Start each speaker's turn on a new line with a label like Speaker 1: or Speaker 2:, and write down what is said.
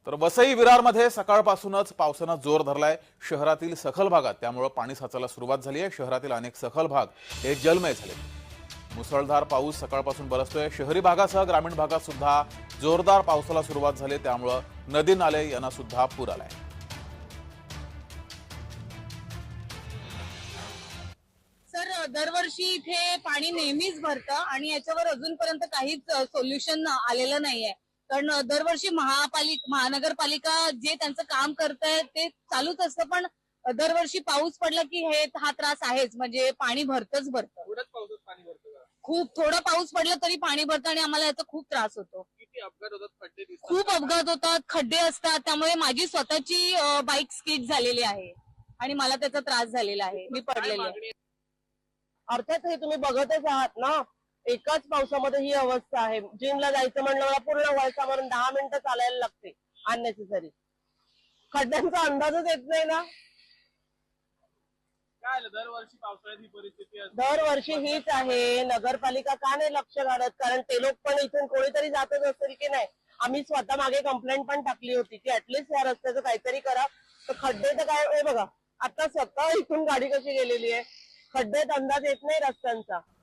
Speaker 1: तर वसई विरारमध्ये सकाळपासूनच पावसानं जोर धरलाय। शहरातील सखल भागात त्यामुळे पाणी साचायला सुरुवात झाली आहे। शहरातील अनेक सखल भाग हे जलमय झाले। मुसळधार पाऊस सकाळपासून बरसतोय। शहरी भागासह ग्रामीण भागात सुद्धा जोरदार पावसाला सुरुवात झाली, त्यामुळे नदी नाले यांना सुद्धा पूर आलाय।
Speaker 2: सर, दरवर्षी इथे पाणी नेहमीच भरतं आणि याच्यावर अजूनपर्यंत काहीच सोल्युशन आलेलं नाहीये। कारण दरवर्षी महानगरपालिका जे त्यांचं काम करतंय ते चालूच असतं, पण दरवर्षी पाऊस पडला की हा त्रास आहेच, म्हणजे पाणी भरतच भरतं।
Speaker 3: थोड्याच पावसात पाणी भरतं का?
Speaker 2: खूप थोडा पाऊस पडला तरी पाणी भरतं आणि आम्हाला याचा खूप त्रास होतो।
Speaker 3: किती अपघात होतात, खड्डे दिसतात?
Speaker 2: खूप अपघात होतात, खड्डे असतात, त्यामुळे माझी स्वतःची बाईक स्किड झालेली आहे आणि मला त्याचा त्रास झालेला आहे, मी पडलेले आहे।
Speaker 4: अर्थात हे तुम्ही बघतच आहात ना, एकाच पावसामध्ये ही अवस्था आहे। जिमला जायचं म्हणलं मला पूर्ण वळसावरून 10 मिनिटं चालायला लागते अननेसेसरी। खड्ड्यांचा अंदाजच येत नाही ना।
Speaker 3: काय आलं, दरवर्षी पावसाळ्यात ही परिस्थिती असते?
Speaker 4: दरवर्षी हीच आहे। नगरपालिका का नाही लक्ष घालत? कारण ते लोक पण इथून कोणीतरी जातच असेल की नाही। आम्ही स्वतः मागे कंप्लेंट पण टाकली होती की ऍटलीस्ट या रस्त्याचं काहीतरी करा। तर खड्डे तर काय, हे बघा आता सकाळ इथून गाडी कशी गेलेली आहे, खड्डेत अंदाज येत नाही रस्त्यांचा।